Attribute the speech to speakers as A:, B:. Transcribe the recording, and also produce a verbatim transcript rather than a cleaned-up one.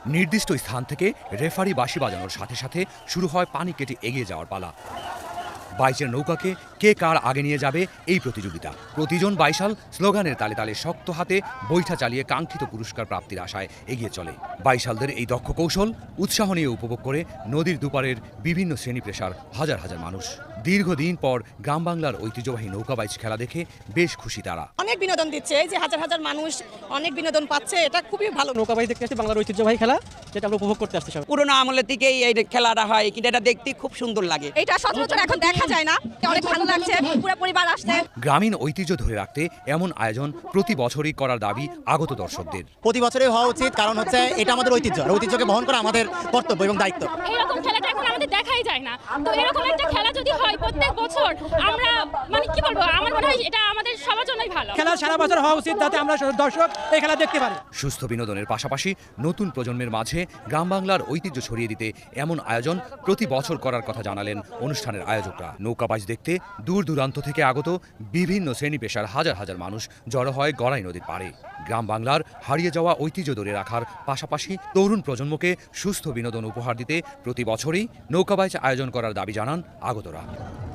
A: নির্দিষ্ট স্থান থেকে রেফারি বাঁশি বাজানোর সাথে সাথে শুরু হয় পানি কেটে এগিয়ে যাওয়ার পালা। বাইচের নৌকাকে কে কার আগে নিয়ে যাবে এই প্রতিযোগিতা। প্রতিজন বাইশাল স্লোগানের তালে তালে শক্ত হাতে বৈঠা চালিয়ে কাঙ্ক্ষিত পুরস্কার প্রাপ্তির আশায় এগিয়ে চলে। বাইশালদের এই দক্ষ কৌশল উৎসাহ নিয়ে উপভোগ করে নদীর দুপারের বিভিন্ন শ্রেণী পেশার হাজার হাজার মানুষ। দীর্ঘদিন পর গ্রাম বাংলার ঐতিহ্যবাহী নৌকা বাইচ খেলা দেখে বেশ খুশি তারা।
B: অনেক বিনোদন দিচ্ছে, এই যে হাজার হাজার মানুষ অনেক বিনোদন পাচ্ছে, এটা খুবই ভালো।
C: নৌকা বাইচ দেখতে আসছি, বাংলার ঐতিহ্যবাহী খেলা যেটা আমরা উপভোগ করতে আসছি।
D: পুরোনো আমলের থেকেই এই খেলাটা হয়, কিন্তু এটা দেখতে খুব সুন্দর লাগে।
B: এটা সচরাচর এখন দেখা যায় না, অনেক ভালো লাগছে, পুরো পরিবার আসছে।
A: গ্রামীণ ঐতিহ্য ধরে রাখতে এমন আয়োজন প্রতি বছরই করার দাবি আগত দর্শকদের।
E: প্রতি বছরই হওয়া উচিত, কারণ হচ্ছে এটা আমাদের ঐতিহ্য, ঐতিহ্যকে বহন করা আমাদের কর্তব্য এবং দায়িত্ব।
F: এরকম খেলাটা এখন আমাদের দেখাই যায় না, তো এরকম একটা খেলা যদি হয় প্রত্যেক বছর, আমরা মানে কি বলবো, আমার মনে হয় এটা আমাদের সবার জন্যই ভালো।
C: খেলা সারা বছর হওয়া উচিত, যাতে আমরা দর্শক এই খেলা দেখতে পারি।
A: সুস্থ বিনোদনের পাশাপাশি নতুন প্রজন্মের মাঝে গ্রাম বাংলার ঐতিহ্য ছড়িয়ে দিতে এমন আয়োজন প্রতি বছর করার কথা জানালেন অনুষ্ঠানের আয়োজকরা। নৌকা বাইচ দেখতে দূর দূরান্ত থেকে আগত বিভিন্ন শ্রেণী পেশার হাজার হাজার মানুষ জড়ো হয় গড়াই নদীর পাড়ে। গ্রাম বাংলার হারিয়ে যাওয়া ঐতিহ্য ধরে রাখার পাশাপাশি তরুণ প্রজন্মকে সুস্থ বিনোদন উপহার দিতে প্রতি বছরই নৌকা বাইচ আয়োজন করার দাবি জানান আগতরা।